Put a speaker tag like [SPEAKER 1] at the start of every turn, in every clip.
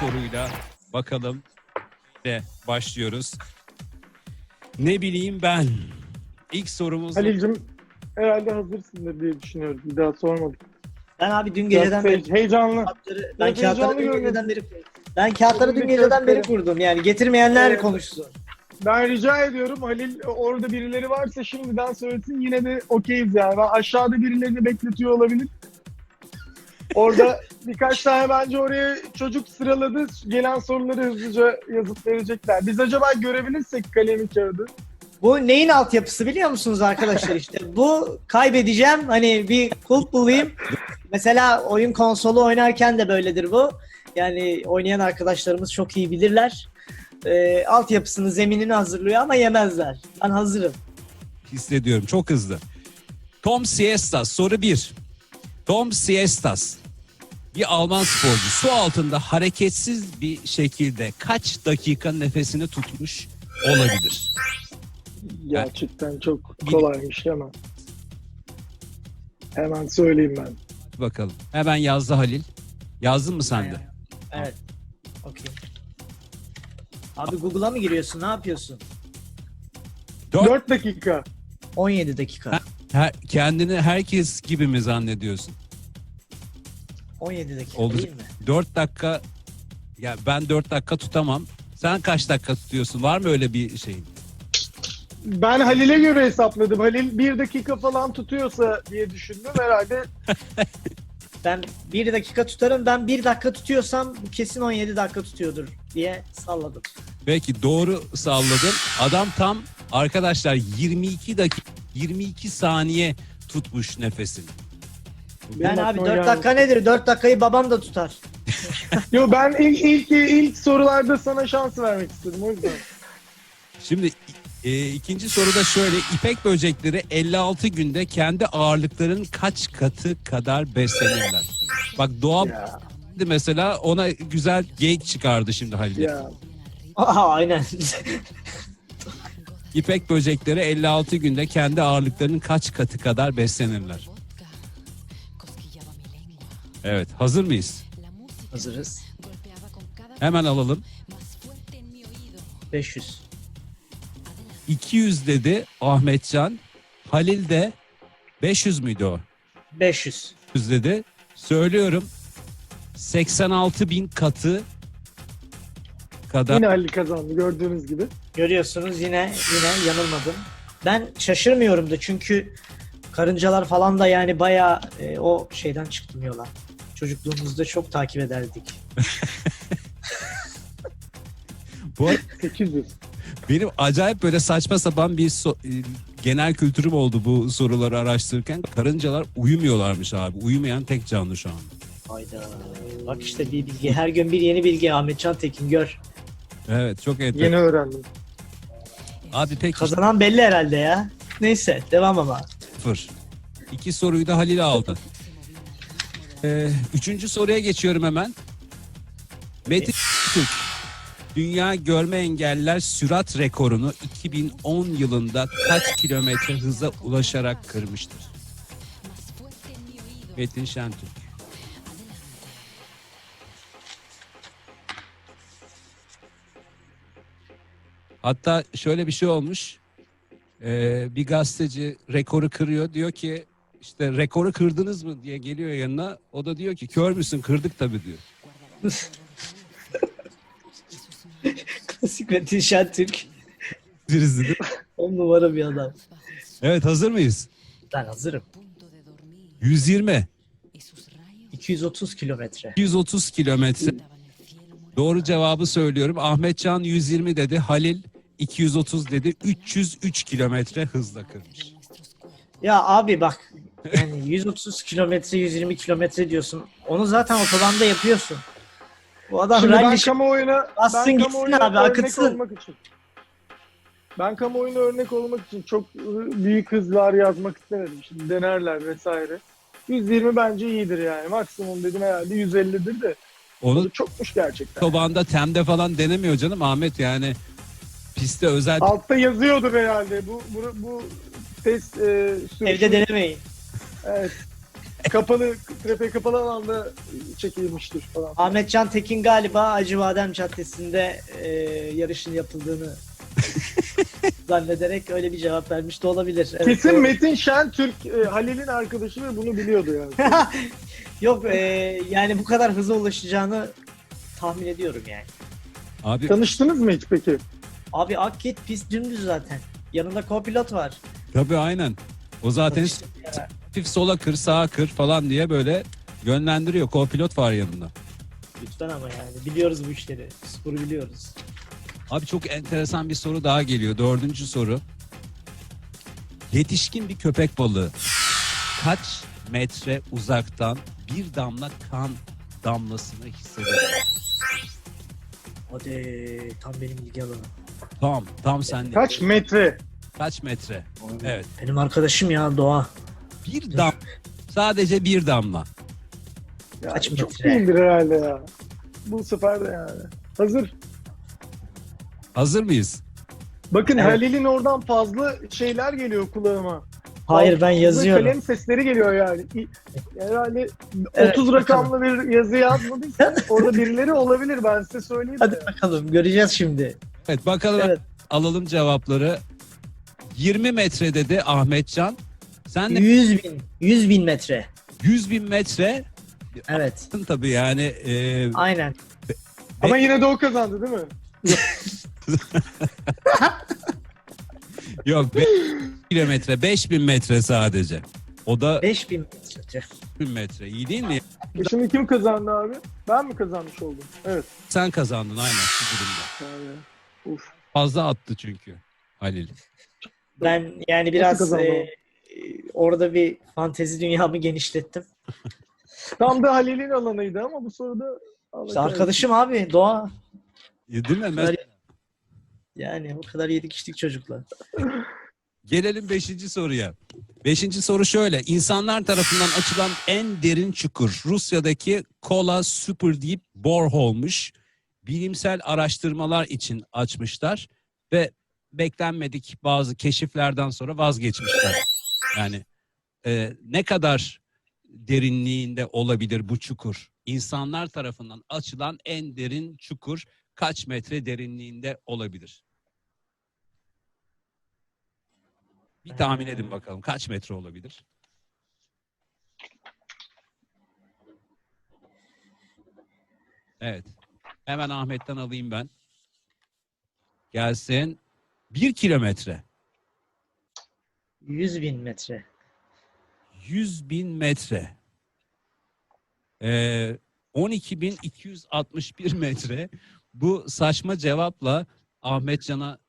[SPEAKER 1] soruyla bakalım ne başlıyoruz. Ne bileyim ben. İlk sorumuz...
[SPEAKER 2] Halil'cim herhalde hazırsındır diye düşünüyorum. Bir daha sormadım.
[SPEAKER 3] Ben abi dün geceden beri
[SPEAKER 2] Heyecanlı.
[SPEAKER 3] kağıtları dün geceden beri kağıtları dün
[SPEAKER 2] Bir
[SPEAKER 3] geceden beri
[SPEAKER 2] köfte.
[SPEAKER 3] kurdum. Yani getirmeyenler
[SPEAKER 2] Evet.
[SPEAKER 3] konuşsun.
[SPEAKER 2] Ben rica ediyorum Halil, orada birileri varsa şimdiden söylesin, yine de okeyiz yani. Ben aşağıda birilerini bekletiyor olabilir. Orada birkaç tane bence oraya çocuk sıraladı. Gelen soruları hızlıca yazıp verecekler. Biz acaba görebilirsek kalemi kağıdı.
[SPEAKER 3] Bu neyin altyapısı biliyor musunuz arkadaşlar işte? Bu kaybedeceğim hani bir kulp bulayım. Mesela oyun konsolu oynarken de böyledir bu. Yani oynayan arkadaşlarımız çok iyi bilirler. Altyapısını, zeminini hazırlıyor ama yemezler. Ben hazırım.
[SPEAKER 1] Hissediyorum. Çok hızlı. Tom Siestas soru 1. Tom Siestas bir Alman sporcu su altında hareketsiz bir şekilde kaç dakika nefesini tutmuş olabilir?
[SPEAKER 2] Gerçekten çok kolaymış hemen. Hemen söyleyeyim ben.
[SPEAKER 1] Bakalım. Hemen yazdı Halil. Yazdın mı sen de?
[SPEAKER 3] Evet. Okey. Abi Google'a mı giriyorsun? Ne yapıyorsun?
[SPEAKER 2] 4 dakika.
[SPEAKER 3] 17 dakika.
[SPEAKER 1] Kendini herkes gibi mi zannediyorsun?
[SPEAKER 3] 17 dakika
[SPEAKER 1] Olacak.
[SPEAKER 3] değil mi?
[SPEAKER 1] 4 dakika, ya ben 4 dakika tutamam. Sen kaç dakika tutuyorsun? Var mı öyle bir şeyin?
[SPEAKER 2] Ben Halil'e göre hesapladım. Halil 1 dakika falan tutuyorsa diye düşündüm herhalde.
[SPEAKER 3] Ben 1 dakika tutarım. Ben 1 dakika tutuyorsam bu kesin 17 dakika tutuyordur diye salladım.
[SPEAKER 1] Peki doğru salladın. Adam tam arkadaşlar 22 dakika 22 saniye tutmuş nefesini.
[SPEAKER 3] Ben
[SPEAKER 2] Benim
[SPEAKER 3] abi
[SPEAKER 2] aklıma
[SPEAKER 3] 4
[SPEAKER 2] geldi.
[SPEAKER 3] dakika nedir? 4 dakikayı babam da tutar.
[SPEAKER 2] Yo, ben ilk sorularda sana şans vermek istedim o yüzden.
[SPEAKER 1] Şimdi ikinci soruda şöyle: İpek böcekleri 56 günde kendi ağırlıklarının kaç katı kadar beslenirler? Bak doğa
[SPEAKER 2] Ya,
[SPEAKER 1] mesela ona güzel geyik çıkardı şimdi Halil.
[SPEAKER 2] ya.
[SPEAKER 3] Aha aynen.
[SPEAKER 1] İpek böcekleri 56 günde kendi ağırlıklarının kaç katı kadar beslenirler? Evet, hazır mıyız?
[SPEAKER 3] Hazırız.
[SPEAKER 1] Hemen alalım.
[SPEAKER 3] 500.
[SPEAKER 1] 200 dedi Ahmetcan. Halil de 500 müydü o?
[SPEAKER 3] 500.
[SPEAKER 1] 100 dedi. Söylüyorum. 86 bin katı kadar.
[SPEAKER 2] Yine Halil kazandı gördüğünüz gibi.
[SPEAKER 3] Görüyorsunuz yine yanılmadım. Ben şaşırmıyorum da çünkü karıncalar falan da yani bayağı o şeyden çıktım yola. Çocukluğumuzda çok takip ederdik.
[SPEAKER 1] Bu arada
[SPEAKER 2] 800.
[SPEAKER 1] benim acayip böyle saçma sapan bir genel kültürüm oldu bu soruları araştırırken. Karıncalar uyumuyorlarmış abi. Uyumayan tek canlı şu an.
[SPEAKER 3] Hayda. Bak işte bir bilgi. Her gün bir yeni bilgi. Ahmetcan Tekin gör.
[SPEAKER 1] Evet, çok enteresan.
[SPEAKER 2] Yeni öğrendim.
[SPEAKER 1] Abi peki
[SPEAKER 3] Kazanan belli herhalde ya. Neyse devam ama.
[SPEAKER 1] 0. 2 soruyu da Halil aldı. Üçüncü soruya geçiyorum hemen. Metin Türk dünya görme engelliler sürat rekorunu 2010 yılında kaç kilometre hıza ulaşarak kırmıştır? Metin Şentürk. Hatta şöyle bir şey olmuş. Bir gazeteci rekoru kırıyor. Diyor ki işte rekoru kırdınız mı diye geliyor yanına. O da diyor ki kör müsün, kırdık tabii diyor.
[SPEAKER 3] Klasik Metin Şentürk.
[SPEAKER 1] Birisi dedi.
[SPEAKER 3] 10 numara bir adam.
[SPEAKER 1] Evet, hazır mıyız?
[SPEAKER 3] Ben hazırım.
[SPEAKER 1] 120.
[SPEAKER 3] 230 kilometre.
[SPEAKER 1] 230 kilometre. Doğru cevabı söylüyorum. Ahmetcan 120 dedi. Halil 230 dedi. 303 kilometre hızla kırmış.
[SPEAKER 3] Ya abi bak yani 130 kilometre 120 kilometre diyorsun. Onu zaten otobanda yapıyorsun. Bu adam
[SPEAKER 2] Şimdi ben
[SPEAKER 3] rally
[SPEAKER 2] kamuoyuna,
[SPEAKER 3] bassın
[SPEAKER 2] ben
[SPEAKER 3] gitsin
[SPEAKER 2] kamuoyuna
[SPEAKER 3] abi,
[SPEAKER 2] örnek
[SPEAKER 3] akıtsın.
[SPEAKER 2] olmak için. Ben kamuoyuna örnek olmak için çok büyük hızlar yazmak istemedim. Şimdi denerler vesaire. 120 bence iyidir yani. Maksimum dedim herhalde 150'dir de.
[SPEAKER 1] Onu
[SPEAKER 2] Bu çokmuş gerçekten.
[SPEAKER 1] otobanda, temde falan denemiyor canım Ahmet, yani pistte özel.
[SPEAKER 2] Altta yazıyordur herhalde. Bu test
[SPEAKER 3] Evde denemeyin.
[SPEAKER 2] Evet. kapalı, trafiğe kapalı alanda çekilmiştir falan.
[SPEAKER 3] Ahmetcan Tekin galiba Acıbadem Caddesi'nde yarışın yapıldığını zannederek öyle bir cevap vermiş de olabilir. Evet,
[SPEAKER 2] Kesin
[SPEAKER 3] doğru.
[SPEAKER 2] Metin Şentürk Halil'in arkadaşı ve bunu biliyordu yani.
[SPEAKER 3] Yok yani bu kadar hızlı ulaşacağını tahmin ediyorum yani.
[SPEAKER 1] Abi
[SPEAKER 2] Tanıştınız mı hiç peki?
[SPEAKER 3] Abi Akgit pist dümdüz zaten. Yanında co-pilot var.
[SPEAKER 1] tabii aynen. O zaten
[SPEAKER 3] Tanıştık ya.
[SPEAKER 1] hafif sola kır, sağa kır falan diye böyle yönlendiriyor. Co-pilot var yanında.
[SPEAKER 3] Lütfen ama yani biliyoruz bu işleri. Sporu biliyoruz.
[SPEAKER 1] Abi çok enteresan bir soru daha geliyor. 4. soru. Yetişkin bir köpek balığı kaç metre uzaktan bir damla kan damlasını hisseder?
[SPEAKER 3] Hadi tam benim ilgi alanım.
[SPEAKER 1] Tam sen
[SPEAKER 2] Kaç metre?
[SPEAKER 1] kaç metre? Evet.
[SPEAKER 3] Benim arkadaşım ya Doğa.
[SPEAKER 1] Bir dam. Sadece bir damla.
[SPEAKER 2] Ya,
[SPEAKER 3] Kaç
[SPEAKER 2] çok
[SPEAKER 3] metre?
[SPEAKER 2] değildir herhalde ya. Bu sefer de yani. Hazır.
[SPEAKER 1] Hazır mıyız?
[SPEAKER 2] Bakın
[SPEAKER 3] Evet.
[SPEAKER 2] Halil'in oradan fazla şeyler geliyor kulağıma.
[SPEAKER 3] Hayır ben
[SPEAKER 2] Fazla
[SPEAKER 3] yazıyorum.
[SPEAKER 2] Kalem sesleri geliyor yani. Herhalde
[SPEAKER 3] Evet,
[SPEAKER 2] 30
[SPEAKER 3] bakalım.
[SPEAKER 2] rakamlı bir yazı yazmadıysa orada birileri olabilir, ben size söyleyeyim.
[SPEAKER 3] Hadi
[SPEAKER 2] de.
[SPEAKER 3] bakalım göreceğiz şimdi.
[SPEAKER 1] Evet bakalım
[SPEAKER 3] Evet.
[SPEAKER 1] alalım cevapları. 20 metre dedi Ahmetcan. Sen de
[SPEAKER 3] 100 bin metre.
[SPEAKER 1] 100 bin metre.
[SPEAKER 3] Evet.
[SPEAKER 1] Tabii yani
[SPEAKER 3] Aynen.
[SPEAKER 2] Ama yine de o kazandı değil mi?
[SPEAKER 1] yok 5 kilometre 5000 metre sadece. O da
[SPEAKER 3] 5000 metre.
[SPEAKER 1] 1000 metre. İyi değil mi?
[SPEAKER 2] Şimdi kim kazandı abi? Ben mi kazanmış oldum? Evet.
[SPEAKER 1] Sen kazandın aynen şu durumda.
[SPEAKER 2] Yani, uf.
[SPEAKER 1] Fazla attı çünkü Halil.
[SPEAKER 3] Ben yani biraz
[SPEAKER 2] kazandım?
[SPEAKER 3] orada bir fantezi dünyamı genişlettim.
[SPEAKER 2] Tam da Halil'in alanıydı ama bu soruda
[SPEAKER 3] İşte arkadaşım abi Doğa.
[SPEAKER 1] Değil mi?
[SPEAKER 3] Yani o kadar yedik içtik çocukla.
[SPEAKER 1] Gelelim 5. soruya. 5. soru şöyle. İnsanlar tarafından açılan en derin çukur Rusya'daki Kola Super Deep Borehole'muş. Bilimsel araştırmalar için açmışlar ve beklenmedik bazı keşiflerden sonra vazgeçmişler. Yani ne kadar derinliğinde olabilir bu çukur? İnsanlar tarafından açılan en derin çukur kaç metre derinliğinde olabilir? Bir tahmin edin bakalım kaç metre olabilir? Evet. Hemen Ahmet'ten alayım ben. Gelsin. 1 kilometre.
[SPEAKER 3] 100 bin metre.
[SPEAKER 1] 100 bin metre. 12.261 metre. Bu saçma cevapla Ahmetcan'a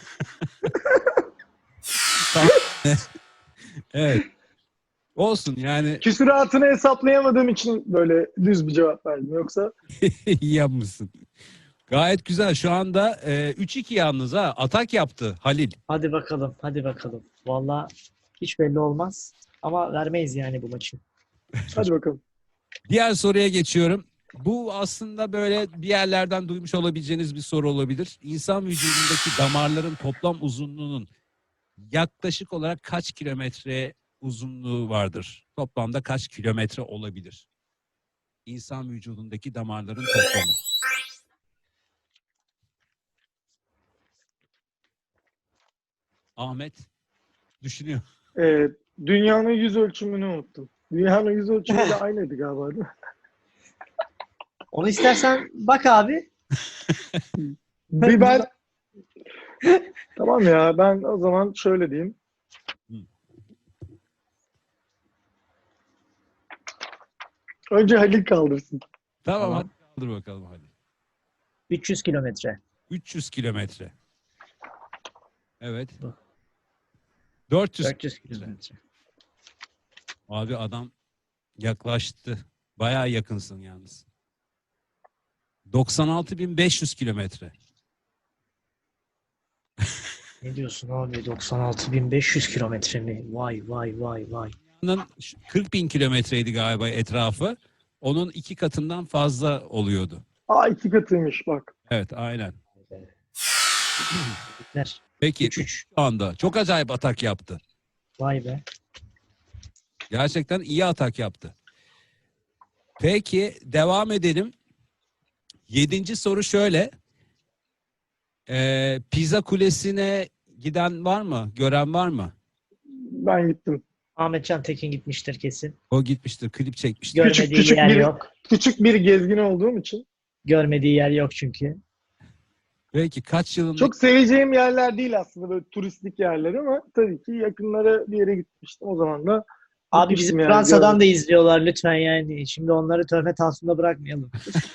[SPEAKER 1] evet. Olsun yani
[SPEAKER 2] Küsuratını hesaplayamadığım için böyle düz bir cevap verdim. Yoksa
[SPEAKER 1] iyi yapmışsın. Gayet güzel. Şu anda 3-2 yalnız ha. Atak yaptı Halil.
[SPEAKER 3] Hadi bakalım, hadi bakalım. Vallahi hiç belli olmaz. Ama vermeyiz yani bu maçı.
[SPEAKER 2] hadi bakalım.
[SPEAKER 1] Diğer soruya geçiyorum. Bu aslında böyle bir yerlerden duymuş olabileceğiniz bir soru olabilir. İnsan vücudundaki damarların toplam uzunluğunun yaklaşık olarak kaç kilometre uzunluğu vardır? Toplamda kaç kilometre olabilir? İnsan vücudundaki damarların toplamı. Ahmet düşünüyor.
[SPEAKER 2] Dünyanın yüz ölçümünü unuttum. Dünyanın yüz ölçümü de aynıydı galiba değil mi?
[SPEAKER 3] Onu istersen bak abi.
[SPEAKER 2] Bir ben tamam ya, ben o zaman şöyle diyeyim. Önce Halil kaldırsın.
[SPEAKER 1] Tamam,
[SPEAKER 3] Tamam.
[SPEAKER 1] hadi kaldır bakalım hadi.
[SPEAKER 3] 300 kilometre.
[SPEAKER 1] 300 kilometre. Evet.
[SPEAKER 3] Bu.
[SPEAKER 1] 400.
[SPEAKER 3] 400 kilometre.
[SPEAKER 1] Abi adam yaklaştı. Bayağı yakınsın yalnız. 96.500 kilometre.
[SPEAKER 3] Ne diyorsun abi? 96.500 kilometre mi? Vay vay vay vay.
[SPEAKER 1] Dünyanın 40.000 kilometreydi galiba etrafı. Onun 2 katından fazla oluyordu.
[SPEAKER 2] Aa, 2 katıymış bak.
[SPEAKER 1] Evet aynen.
[SPEAKER 3] Ver.
[SPEAKER 1] Peki
[SPEAKER 3] 3-3.
[SPEAKER 1] şu anda çok acayip atak yaptı.
[SPEAKER 3] Vay be.
[SPEAKER 1] Gerçekten iyi atak yaptı. Peki devam edelim. 7. soru şöyle. Pisa Kulesi'ne giden var mı? Gören var mı?
[SPEAKER 2] Ben gittim.
[SPEAKER 3] Ahmetcan Tekin gitmiştir kesin.
[SPEAKER 1] O gitmiştir, klip çekmiştir.
[SPEAKER 3] Görmediği
[SPEAKER 2] küçük
[SPEAKER 3] yer
[SPEAKER 2] bir-
[SPEAKER 3] yok.
[SPEAKER 2] Küçük bir gezgin olduğum için.
[SPEAKER 3] Görmediği yer yok çünkü.
[SPEAKER 1] Peki kaç yılında?
[SPEAKER 2] Çok seveceğim yerler değil aslında böyle turistik yerler ama tabii ki yakınlara bir yere gitmiştim. O zaman da
[SPEAKER 3] Abi
[SPEAKER 2] gitmiştim
[SPEAKER 3] bizi
[SPEAKER 2] yani,
[SPEAKER 3] Fransa'dan
[SPEAKER 2] gördüm.
[SPEAKER 3] da izliyorlar lütfen yani. Şimdi onları töhmet altında bırakmayalım.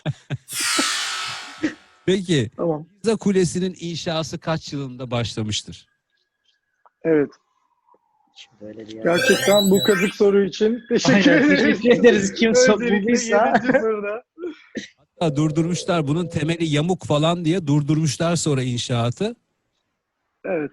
[SPEAKER 1] Peki
[SPEAKER 2] Tamam.
[SPEAKER 1] Pisa Kulesi'nin inşası kaç yılında başlamıştır?
[SPEAKER 2] Evet.
[SPEAKER 3] Şimdi öyle bir yer.
[SPEAKER 2] Gerçekten bu kazık soru için teşekkür
[SPEAKER 3] Aynen,
[SPEAKER 2] ederiz.
[SPEAKER 3] teşekkür ederiz. Kim
[SPEAKER 2] Özellikle
[SPEAKER 3] bulduysa.
[SPEAKER 2] 7. soruda.
[SPEAKER 1] Hatta durdurmuşlar, bunun temeli yamuk falan diye durdurmuşlar sonra inşaatı.
[SPEAKER 2] Evet.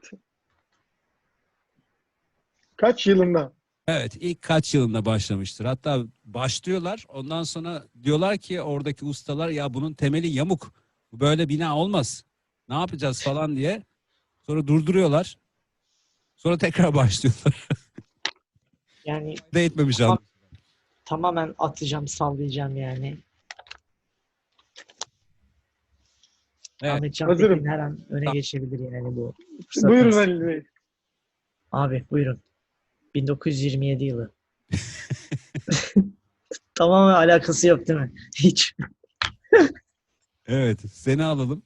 [SPEAKER 2] Kaç yılında?
[SPEAKER 1] Evet, ilk kaç yılında başlamıştır? Hatta başlıyorlar, ondan sonra diyorlar ki oradaki ustalar, ya bunun temeli yamuk. Bu böyle bina olmaz. Ne yapacağız falan diye. Sonra durduruyorlar. Sonra tekrar başlıyorlar.
[SPEAKER 3] Yani
[SPEAKER 1] De etmemiş
[SPEAKER 3] Tamam.
[SPEAKER 1] anladım.
[SPEAKER 3] tamamen atacağım, sallayacağım yani.
[SPEAKER 1] Evet.
[SPEAKER 3] Ahmetcan
[SPEAKER 2] Hazırım.
[SPEAKER 3] Tekin her an öne
[SPEAKER 1] Tamam.
[SPEAKER 3] geçebilir yani bu fırsattan.
[SPEAKER 2] Buyurun Halil Bey.
[SPEAKER 3] Abi buyurun. 1927 yılı. Tamamen alakası yok değil mi? Hiç.
[SPEAKER 1] Evet, seni alalım.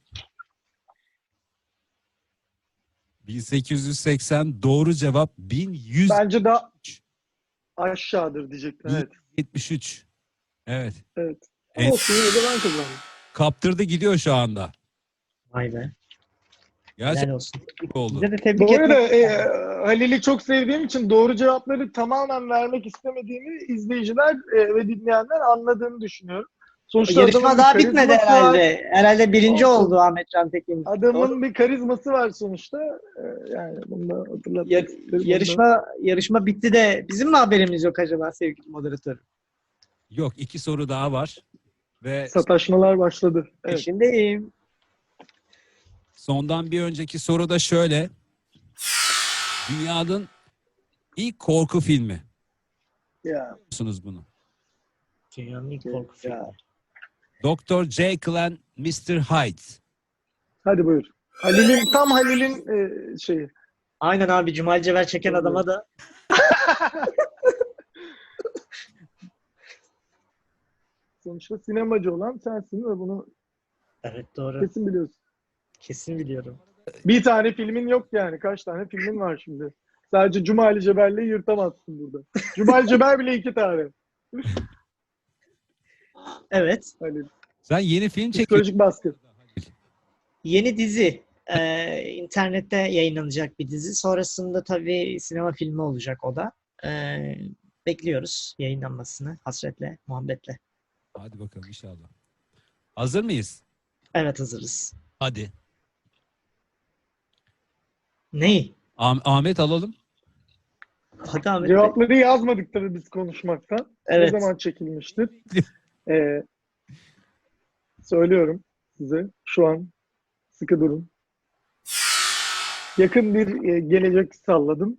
[SPEAKER 1] 1880 doğru cevap,
[SPEAKER 2] Bence daha aşağıdır diyecektim. Evet.
[SPEAKER 1] 1173. Evet.
[SPEAKER 2] Evet.
[SPEAKER 1] Evet.
[SPEAKER 2] Olsun yine de ben kazandım.
[SPEAKER 1] Kaptırdı gidiyor şu anda.
[SPEAKER 3] Vay be. Helal
[SPEAKER 1] Gerçekten
[SPEAKER 3] olsun.
[SPEAKER 1] oldu.
[SPEAKER 3] Bize de tebrik
[SPEAKER 2] Bu arada
[SPEAKER 3] etmek.
[SPEAKER 2] Halil'i çok sevdiğim için doğru cevapları tamamen vermek istemediğimi izleyiciler ve dinleyenler anladığını düşünüyorum. Sonuçta
[SPEAKER 3] Yarışma
[SPEAKER 2] adamın
[SPEAKER 3] daha
[SPEAKER 2] bir
[SPEAKER 3] bitmedi
[SPEAKER 2] karizması var.
[SPEAKER 3] herhalde. Herhalde birinci
[SPEAKER 2] Olsun.
[SPEAKER 3] oldu Ahmetcan Tekin. Doğru.
[SPEAKER 2] Adamın bir karizması var sonuçta. Yani bunu da hatırlatmak
[SPEAKER 3] Yar-
[SPEAKER 2] isterim.
[SPEAKER 3] yarışma bitti de bizim mi haberimiz yok acaba sevgili moderatör?
[SPEAKER 1] Yok, 2 soru daha var. Ve
[SPEAKER 2] Sataşmalar başladı. Evet.
[SPEAKER 3] Peşindeyim.
[SPEAKER 1] sondan bir önceki soru da şöyle. Dünyanın ilk korku filmi.
[SPEAKER 2] Ya,
[SPEAKER 1] Biliyor musunuz bunu?
[SPEAKER 3] Dünyanın ilk korku filmi.
[SPEAKER 2] ya.
[SPEAKER 1] Dr. Jekyll and Mr. Hyde.
[SPEAKER 2] Hadi buyur. Halil'in şeyi.
[SPEAKER 3] Aynen abi Cumali Cever çeken
[SPEAKER 2] Doğru.
[SPEAKER 3] adama da
[SPEAKER 2] Sonuçta sinemacı olan sensin ve bunu
[SPEAKER 3] evet doğru.
[SPEAKER 2] kesin biliyorsun.
[SPEAKER 3] Kesin biliyorum.
[SPEAKER 2] Bir tane filmin yok yani. Kaç tane filmin var şimdi? Sadece Cumali Ceber'le yırtamazsın burada. Cumali Ceber bile 2 tane.
[SPEAKER 3] Evet.
[SPEAKER 2] Halil.
[SPEAKER 1] Sen yeni film çekiyorsun.
[SPEAKER 2] Psikolojik baskı.
[SPEAKER 3] Yeni dizi. İnternette yayınlanacak bir dizi. Sonrasında tabii sinema filmi olacak o da. Bekliyoruz yayınlanmasını hasretle, muhabbetle.
[SPEAKER 1] Hadi bakalım inşallah. Hazır mıyız?
[SPEAKER 3] Evet hazırız.
[SPEAKER 1] Hadi.
[SPEAKER 3] Neyi?
[SPEAKER 1] Ahmet alalım.
[SPEAKER 3] Hadi Ahmet Bey.
[SPEAKER 2] Cevapları yazmadık tabii biz konuşmaktan.
[SPEAKER 3] Evet.
[SPEAKER 2] Ne zaman çekilmiştir? Söylüyorum size. Şu an sıkı durun. Yakın bir gelecek salladım.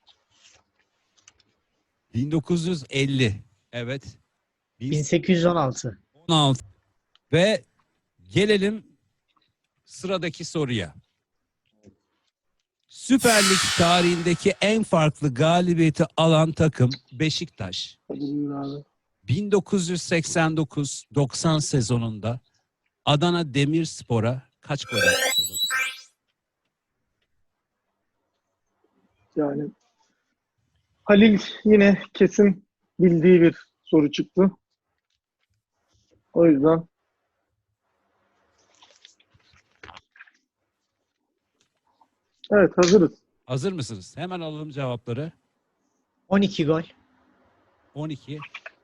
[SPEAKER 1] 1950. Evet.
[SPEAKER 3] 1816.
[SPEAKER 1] 16. Ve gelelim sıradaki soruya. Süper Lig tarihindeki en farklı galibiyeti alan takım Beşiktaş.
[SPEAKER 2] Hadi buyur abi.
[SPEAKER 1] 1989-90 sezonunda Adana Demirspor'a kaç gol atmış olabilir?
[SPEAKER 2] Yani Halil yine kesin bildiği bir soru çıktı. O yüzden evet hazırız.
[SPEAKER 1] Hazır mısınız? Hemen alalım cevapları.
[SPEAKER 3] 12 gol.
[SPEAKER 1] 12.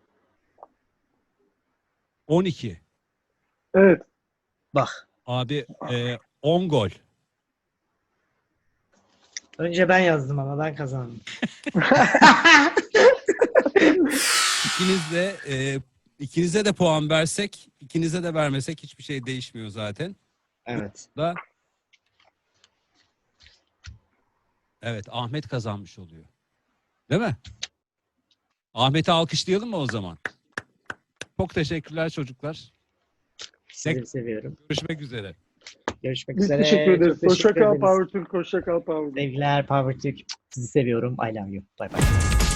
[SPEAKER 1] 12.
[SPEAKER 2] Evet.
[SPEAKER 3] Bak.
[SPEAKER 1] Abi 10 gol.
[SPEAKER 3] Önce ben yazdım ama ben kazandım.
[SPEAKER 1] İkinize de puan versek, ikinize de vermesek hiçbir şey değişmiyor zaten.
[SPEAKER 3] Evet.
[SPEAKER 1] Da evet, Ahmet kazanmış oluyor. Değil mi? Ahmet'i alkışlayalım mı o zaman? Çok teşekkürler çocuklar.
[SPEAKER 3] Sizi seviyorum.
[SPEAKER 1] Görüşmek üzere.
[SPEAKER 3] Görüşmek
[SPEAKER 2] Biz
[SPEAKER 3] üzere.
[SPEAKER 2] teşekkür ederiz.
[SPEAKER 3] Çok
[SPEAKER 2] Hoşça
[SPEAKER 3] teşekkür
[SPEAKER 2] kal
[SPEAKER 3] ederiz.
[SPEAKER 2] Power Türk. Hoşça kal Power Türk.
[SPEAKER 3] Sevgiler Power Türk. Sizi seviyorum. I love you. Bye bye.